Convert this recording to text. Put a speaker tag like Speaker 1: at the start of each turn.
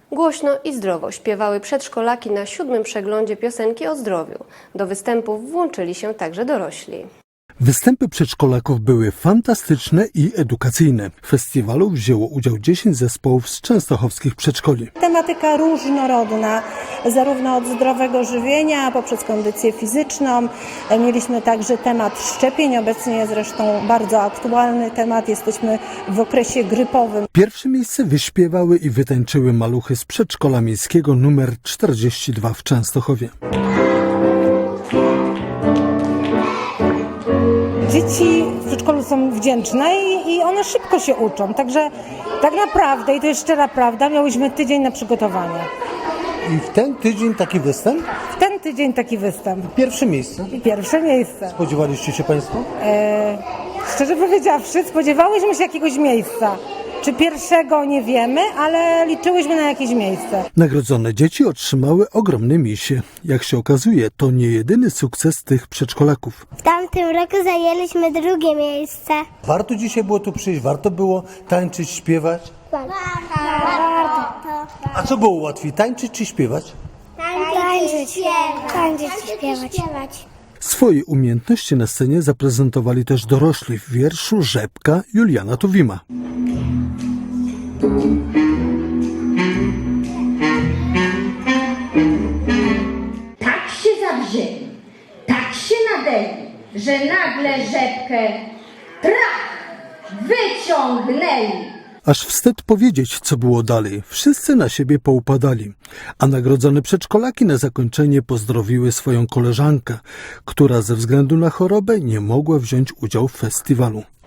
Speaker 1: Głośno i zdrowo śpiewały przedszkolaki na 7. przeglądzie piosenki o zdrowiu. Do występów włączyli się także dorośli.
Speaker 2: Występy przedszkolaków były fantastyczne i edukacyjne. W festiwalu wzięło udział 10 zespołów z częstochowskich przedszkoli.
Speaker 3: Tematyka różnorodna, zarówno od zdrowego żywienia, poprzez kondycję fizyczną. Mieliśmy także temat szczepień, obecnie zresztą bardzo aktualny temat. Jesteśmy w okresie grypowym.
Speaker 2: Pierwsze miejsce wyśpiewały i wytańczyły maluchy z przedszkola miejskiego nr 42 w Częstochowie.
Speaker 3: Dzieci w przedszkolu są wdzięczne i one szybko się uczą. Także tak naprawdę, i to jest szczera prawda, miałyśmy tydzień na przygotowanie.
Speaker 4: I w ten tydzień taki występ?
Speaker 3: W ten tydzień taki występ.
Speaker 4: Pierwsze miejsce.
Speaker 3: Pierwsze miejsce.
Speaker 4: Spodziewaliście się Państwo?
Speaker 3: Szczerze powiedziawszy, spodziewałyśmy się jakiegoś miejsca. Czy pierwszego nie wiemy, ale liczyłyśmy na jakieś miejsce.
Speaker 2: Nagrodzone dzieci otrzymały ogromne misie. Jak się okazuje, to nie jedyny sukces tych przedszkolaków.
Speaker 5: W tamtym roku zajęliśmy drugie miejsce.
Speaker 4: Warto dzisiaj było tu przyjść, warto było tańczyć, śpiewać.
Speaker 5: Warto.
Speaker 4: A co było łatwiej, tańczyć czy śpiewać?
Speaker 5: Tańczyć i śpiewać.
Speaker 2: Swoje umiejętności na scenie zaprezentowali też dorośli w wierszu Rzepka Juliana Tuwima.
Speaker 6: Tak się zawzięli, tak się nadeli, że nagle rzepkę trach wyciągnęli.
Speaker 2: Aż wstyd powiedzieć, co było dalej. Wszyscy na siebie poupadali. A nagrodzone przedszkolaki na zakończenie pozdrowiły swoją koleżankę, która ze względu na chorobę nie mogła wziąć udziału w festiwalu.